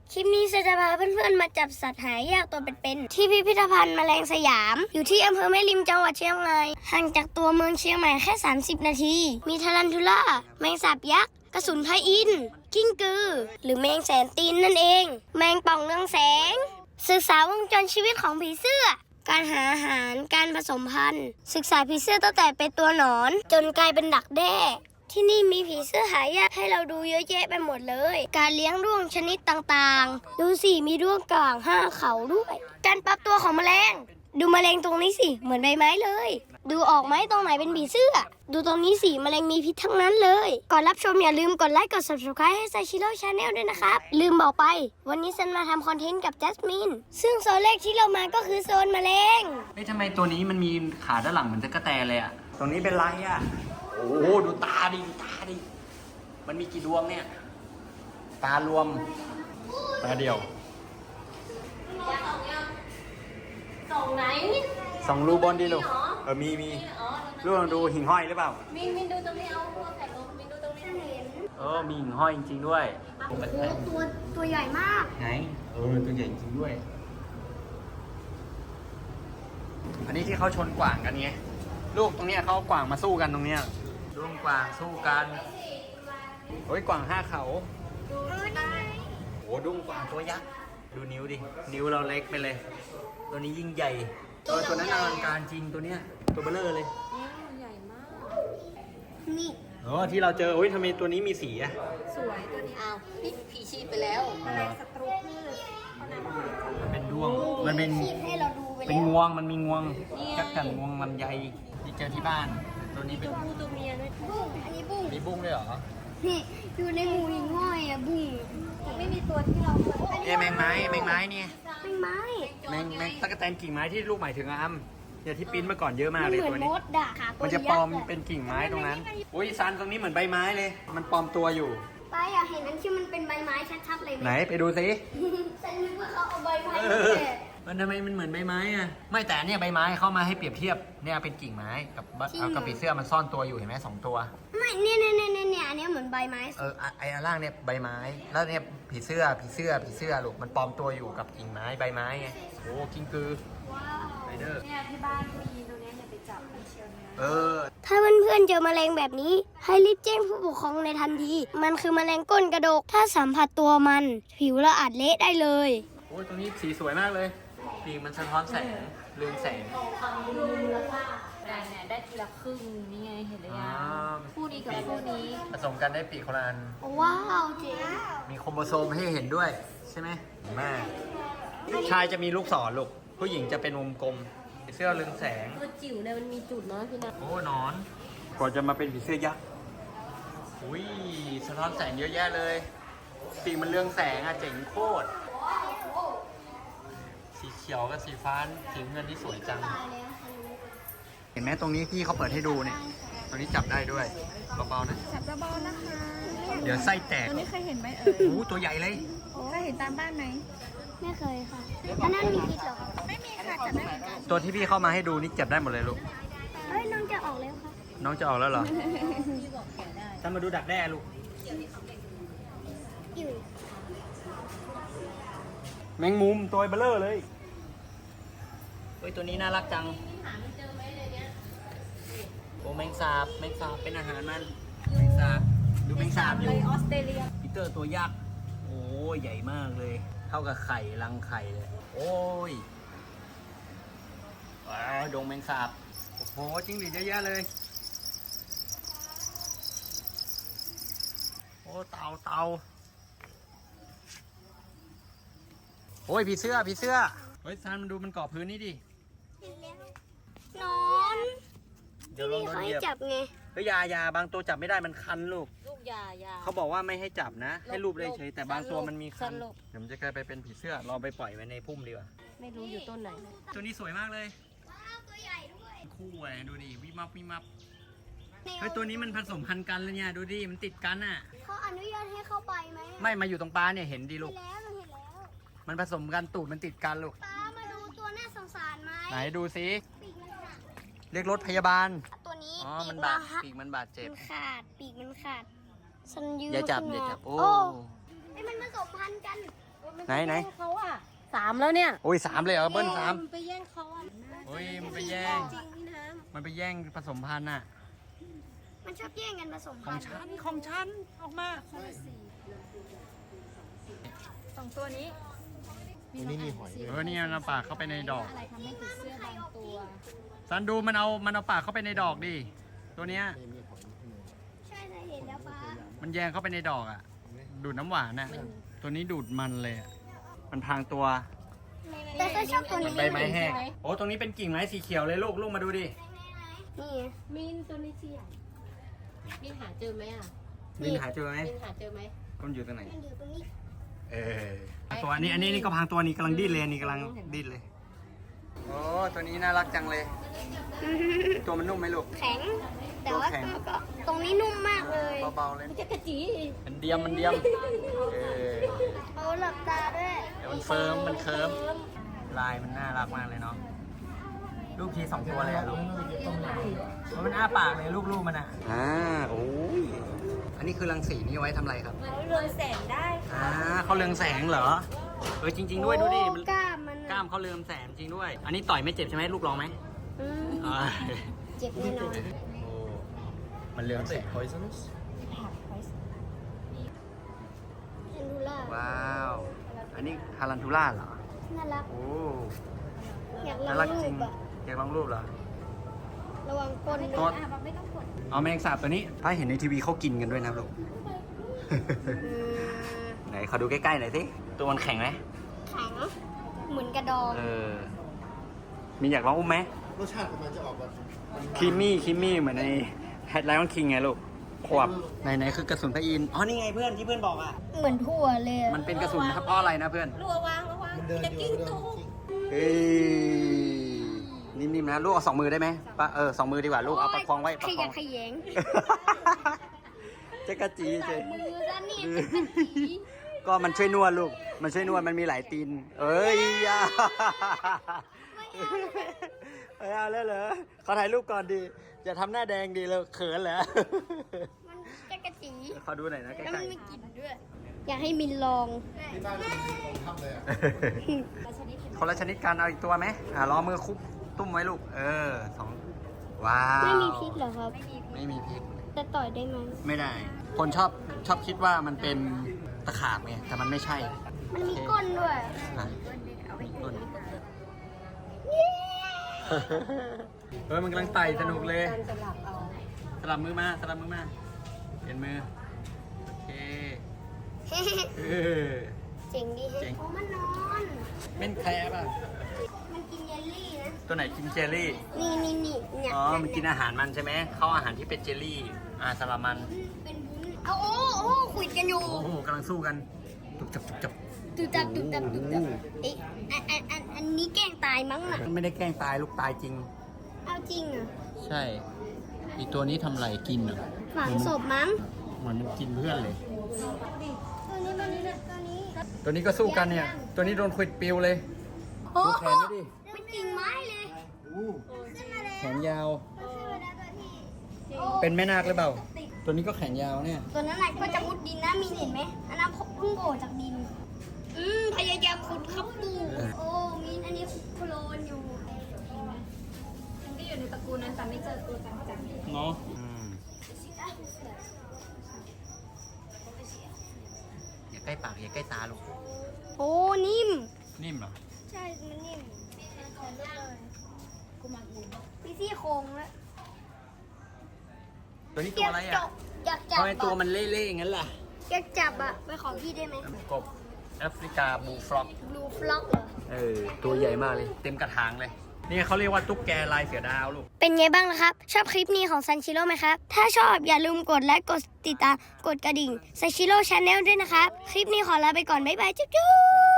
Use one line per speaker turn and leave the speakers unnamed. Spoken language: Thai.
คลิปนี้จะพาเพื่อนๆมาจับสัตว์หายากตัวเป็นๆที่พิพิธภัณฑ์แมลงสยามอยู่ที่อำเภอแม่ริมจังหวัดเชียงรายห่างจากตัวเมืองเชียงใหม่แค่30นาทีมีทารันทูล่าแมงสาบยักษ์กระสุนพระอินทร์กิ้งกือหรือแมงแสนตีนนั่นเองแมงป่องเรืองแสงศึกษาวงจรชีวิตของผีเสื้อการหาอาหารการผสมพันธุ์ศึกษาผีเสื้อตั้งแต่เป็นตัวหนอนจนกลายเป็นดักแด้ที่นี่มีผีเสื้อหายากให้เราดูเยอะแยะไปหมดเลยการเลี้ยงด้วงชนิดต่างๆดูสิมีด้วงกลาง5เขาด้วยการปรับตัวของแมลงดูแมลงตรงนี้สิเหมือนใบไม้เลยดูออกไหมตรงไหนเป็นผีเสื้อดูตรงนี้สิแมลงมีพิษทั้งนั้นเลยก่อนรับชมอย่าลืมกดไลค์กด subscribe ให้Sashiro Channel ด้วยนะครับลืมบอกไปวันนี้ฉันมาทำคอนเทนต์กับจัสมินซึ่งโซนแรกที่เรามาก็คือโซนแมลง
ทำไมตัวนี้มันมีขาด้านหลังเหมือนตะกั่วแตนเลยอ่ะตรงนี้เป็นไรอ่ะโอ้โหดูตาดิมันมีกี่ดวงเนี่ยตารวมตาเดียว
ส่องไหน
ส่องรูบนดิลูกมีลูกลองดูหิ่งห้อยหรือเปล่า
มีดูตรงนี้เอาพวกแผ่นลมมีดูตรงนี้เห็น
มีหิ่งห้อยจริงๆด้วย
โอ้ตัวใหญ่มาก
ไหนตัวใหญ่จริงด้วยอันนี้ที่เขาชนกวางกันไงลูกตรงเนี้ยเขากวางมาสู้กันตรงเนี้ยด้วงกวางสู้กันกวาง5เขาโอ้ดุ้งกวางตัวยักษ์ดูนิ้วดินิ้วเราเล็กไปเลยตัวนี้ยิ่งใหญ่ตัวนั้นอลังการจริงตัวเนี้ยตัวเบลเลอร์เลย
ใหญ่มากนี่
ที่เราเจอทำไมตัวนี้มีสีอะ
สวยตัวนี้เอานี่ผีชีพไปแล้วแมลงศัตรูพืช
มันเป็นด้วงมันเป็นงวงมันมีงวงจักจั่นงวงลำไยที่เจอที่บ้านตัวนี้เป็น
ตัวเมียด้วยบุ้งอันนี้บุ้ง
มีบุ้งด้วยเหรอ
นี่อยู่ในหมู่หิ่งห้อยอะบุ้งไม่มีตัวที่เราเคย
แมงไม้เนี่ยแมงตะกั่วแตนกิ่งไม้ที่ลูกหมายถึงอ้ำเนี่ยที่ปิ้นเมื่อก่อนเยอะมากเลยตัวนี้มันจะปลอมเป็นกิ่งไม้ตรงนั้นซันตรงนี้เหมือนใบไม้เลยมันปลอมตัวอยู่
ไปอยากเห็นนั่นที่มันเป็นใบไม้ชัดๆเลย
ไหนไปดูสิ
ฉันนึกว่าเขาเอาใบไม้
มันทำไมมันเหมือนใบไม้อะไม่แต่เนี่ยใบไม้เข้ามาให้เปรียบเทียบเนี่ยเป็นกิ่งไม้กับผีเสื้อมันซ่อนตัวอยู่เห็นไหม2ตัว
ไม่เนี่ยอันนี้เหมือนใบไม้
ไอ้อันล่างเนี่ยใบไม้แล้วเนี่ยผีเสื้อลูกมันปลอมตัวอยู่กับกิ่งไม้ใบไม้ไงโอ้กิ้งกือ
ว้าว
ไรเดอร์
เนี่ยที่บ้านมีตัวนี้อย่าไปจับมันเชียวนะถ้าเพื่อนๆเจอแมลงแบบนี้ให้รีบแจ้งผู้ปกครองในทันทีมันคือแมลงก้นกระดกถ้าสัมผัสตัวมันผิวละอาจเละได้เลย
ตัวนี้สีสวยมากเลยปีกมันสะท้อนแสงเรืองแสง
ได้ทีละครึ่งนี่ไงเห็นหรือยังคู่นี้กับคู่นี้
ผสมกันได้ปีกคนละอัน
ว้าวเจ๋ง
มีโครโมโซมให้เห็นด้วยใช่ไหมแม่ชายจะมีลูกศรลูกผู้หญิงจะเป็นวงกลมผีเสื้อเรืองแสง
ตัวจิ๋วเนี่ยมันมีจุดเนาะพี่นะ
นอนก่อนจะมาเป็นผีเสื้อยักษ์สะท้อนแสงเยอะแยะเลยปีกมันเรืองแสงเจ๋งโคตรสีเขียวกับสีฟ้าสีเงินที่สวยจังเห็นไหมตรงนี้ที่เขาเปิดให้ดูเนี่ยตรงนี้จับได้ด้วยเบาๆนะ
จับเบาๆนะคะ
เดี๋ยวไส้แตก
ตัวนี้เคยเห็นไหม
ตัวใหญ่เลย
เคยเห็นตามบ้านไหม
ไม่เคยค่ะอันนั้นมีพิษเหรอ
ไม่มีค่ะจับได้เหมือนกัน
ตัวที่พี่เข้ามาให้ดูนี่จับได้หมดเลยลูก
น้องจะออกแล้วค่ะ
น้องจะออกแล้วเหรอจะมาดูดักแด้ลูกแมงมุมตัวเบลเลอร์เลยตัวนี้น่ารักจังแมงสาบเป็นอาหารมันแมงสาบดูแมงสาบอยู่
ออสเตรเลีย
ปีเตอร์ตัวยักษ์ใหญ่มากเลยเท่ากับไข่รังไข่เลยดงแมงสาบจิ้งหรีดเยอะแยะเลยเต่าผีเสื้อซันมันดูมันเกาะพื้นนี่ดิ
นอน
เดี๋ยวลอง
ให้จับไง
ยาบางตัวจับไม่ได้มันคันลูก
ยา
เขาบอกว่าไม่ให้จับนะให้รูปได้เฉยแต่บางตัวมันมีคันเดี๋ยวมันจะกลายไปเป็นผีเสื้อเราไปปล่อยไว้ในพุ่มดีกว่า
ไม่รู้อยู่ต้นไหน
ตัวนี้สวยมากเลย
ตัวใหญ่ด้วย
คู่ดูดิวิมับตัวนี้มันผสมพันธุ์กันเลยเนี่ยดูดิมันติดกัน
เขาอนุญาตให้เข้าไปไหม
ไม่มาอยู่ตรงปลาเนี่ยเห็นดิลูกมันผสมกันตูดมันติดกันลูก
ปลามาดูตัวน่าสงสารไหม
ไหนดูสิเรียกรถพยาบาล
ตัวนี้
ปีกมันบาดเจ็บ
ขาดปีกมันขาด
อย่าจับ
มันผสมพันธุ์กัน
ไหน
เขาอ่ะ3แล้วเนี่ย
โอ้ย3เลยเหรอเบิ้ล3
มันไปแย่งเขาอ่ะ
โอ้ยมันไปแย่ง
จริงพี่น้
มันไปแย่งผสมพันธุ์น่ะ
มันชอบแย่งกันผสม
ขอ
พั
ง
นธุ์
ฉันของฉันออกมา
2ตัวนี้
นี่มีหอย
นี่มันเอาปากเข้าไปในดอก
อะไรทำให้ผีเสื้อบางตัว
ซันดูมันเอาปากเข้าไปในดอกดิตัวเนี้ย
มีหอยข้างใน
ใช่เห็นแล้วป้า
มันแยงเข้าไปในดอกอ่ะ ดูดน้ำหวานน่ะตัวนี้ดูดมันเลยอะมันพรางตัว
แต่ก็ชอบตัว
เหมื
นี้
อนใบไม้แห้งโอ้ตรงนี้เป็นกิ่งไม้สีเขียวเลยลูกมาดูดิ
นี่
มินตัวนี้สิมินหาเจอไหมอ่ะ
ลินหาเจอไหม
มินหาเจอไหม
มันอยู่ตรงไหน
มันอยู่ตรงนี้
ตัวอันนี้ก็พรางตัวนี้กำลังดิ้นเลยนี่กำลังดิ้นเลยโอ้ตัวนี้น่ารักจังเลย ตัวมันนุ่มไหมลูก
แข็ง แต่ว่า
ตัวแข็ง
ก็ตรงนี้นุ่มมากเลย
เบาๆเลย
จะกระจี
มันเดียม
เขาหลับตาด้วย
เดี๋ยวมันเฟิร์มมันเคิร์มลายมันน่ารักมากเลยเนาะลูกที2ตัวเลยอะลูกมันอ้าปากเลยลูกมันอ่ะโอ้ยอันนี้คือรังสีนี่เอาไว้ทำอะไรครับ
เขาเรืองแสงได้
เขาเรืองแสงเหรอจริง ๆ ด้วยดูดิมัน
กล้ามมัน
กล้ามเขาเรืองแสงจริงด้วย อันนี้ต่อยไม่เจ็บใช่ไหมลูกลองไหม
เจ็บแน่นอน
โอ้มันเรืองแสง
poisonous
เห็นดูล่า
ว้าว อันนี้ทารันทูล่าเหรอ
น่ารัก
โอ้
อยากล
น่า
อ
รัก
ง
จ
รู
ริง
ปอะ
อยากลองรูปเหรอ
ระวังก้น
ตัว
อ่ะบอกไม่ต้องกด
เอาแมลงสาบตัวนี้ ถ้าเห็นในทีวีเขากินกันด้วยนะลูก ไหนขอดูใกล้ๆหน่อยสิตัวมันแข็งไหม
แข็งเหมือนกระดอง
มีอยากลองอุ้มไหม
รสชาติของมันจะออกแบบ
คิมมี่เหมือนในแฮดไลออนคิงไงลูกขวบไหนคือกระสุนพระอินทร์อ๋อนี่ไงเพื่อนที่เพื่อนบอกอ่ะ
เหมือนถั่วเลยอะ
มันเป็นกระสุนนะครับเพราะอะไรนะเพื่อน
ระวัง
มันเดิน
จะ
อยู่
กิ้ง
เดิน
ตู้
กิ้ง
เฮ้ยนิ่มๆนะลูกเอา2 มือได้ไหมปะ2 มือดีกว่าลูกเอาประคองไว้ประ
ข
ค
ยั
อก ง
ขยง
จะกระจีเฉย
มือซะนี่เป็นกระจี
ก็มันช่วยนวดลูก มันช่วยนวดมันมีหลายตีน เอ้ยอย่าไม่เอาแล้วเหรอขอถ่ายรูปก่อนดีอย่าทำหน้าแดงดีเลยเขินเหรอ
มันจะกระจี
ขอดูหน่อยนะใก
แล้วมั
ล้
นมีกลิ่นด้วย อยากให้มินลอง
ที่บ้านมันมีของทำเลยอ่ะ
ๆคนละชนิดกันเอาอีกตัวไหมรอมือคุบตุ้มไว้ลูก 2 ว้าว
ไม่มีพิษเหรอครับ
ไม่มีพิษ
แต่ต่อยได้ไหม
ไม่ได้ คนชอบคิดว่ามันเป็นตะขาบไงแต่มันไม่ใช่
มันมีก้นด้วย
อ่ะมีก้นมันกำลังไต่สนุกเลย
การสลับเอา
สลับมือมาเปลี่ยนมือ โอเคเออ
เจ๋งดี
เจ๋ง
โอ้มันนอน
เป็นแคร์ป่ะ
มันกินเยลลี่นะ
ตัวไหนกินเจลลี่
นี่เนี่ย
อ๋อ มันกินอาหารมันใช่ไหม เข้าอาหารที่เป็นเจลลี่ สลับมัน
เป็นบุ้นเอาโอ้คุยกันอยู่
โอ้โหกำลังสู้กันจุบจับ
ตุบตับเอ๊ะอันนี้แกล้งตายมั้งน่ะ
มันไม่ได้แกล้งตายลูกตายจริง
เอาจริงอ่ะ
ใช่ อีกตัวนี้ทำไรกินเหรอ
ฝังศพมั้ง
เหมือนมันกินเพื่อนเลย
ตัวนี้
ตัวนี้ก็สู้กันเนี่ย ตัวนี้โดนขวิดปิวเลย
โอ้
ดูแขนไม่ดิ
เป็นกิ่งไม้เลย
อู้
ขึ้นมาแล้ว
แขนยาว
ขึ้นมาแล้วตัวที่
เป็นแม่นาคหรือเปล่า ตัวนี้ก็แขนยาวเนี่ย
ตัวนั้นแหละก็จะมุดดินนะมีเห็นไหมอันนั้นเพิ่งโผล่จากดิน พยายามขุดเข้าตู้โอ้มีอันนี้โคลนอยู่
มันก็อยู่ในตระกูลนั้นแต่ไม่เจอตัวจัง
เนาะอย่าใกล้ปากอย่าใกล้ตาลูก
โอ้นิ่ม
นิ่มเหรอ
ใช่ มันนิ่มมีซี่โครงแล้ว
ตัวนี้ตัวอะไรอ่ะ
อยากจับ
ทำไมตัวมันเล่ๆอย่างนั้นล่ะ
อยากจับอ่ะไปขอพี่ได้ไหม
กบแอฟริกาบูฟล็อก
บลูฟล็อกเหรอ
ตัวใหญ่มากเลย เต็มกระถางเลย นี่เขาเรียกว่าตุ๊กแกลายเสือดาวลูก
เป็นไงบ้างล่ะครับ ชอบคลิปนี้ของซันชิโร่ไหมครับ ถ้าชอบอย่าลืมกดไลค์กดติดตามกดกระดิ่งซันชิโร่ชาแนลด้วยนะครับ คลิปนี้ขอลาไปก่อน บ๊ายบาย จุ๊บ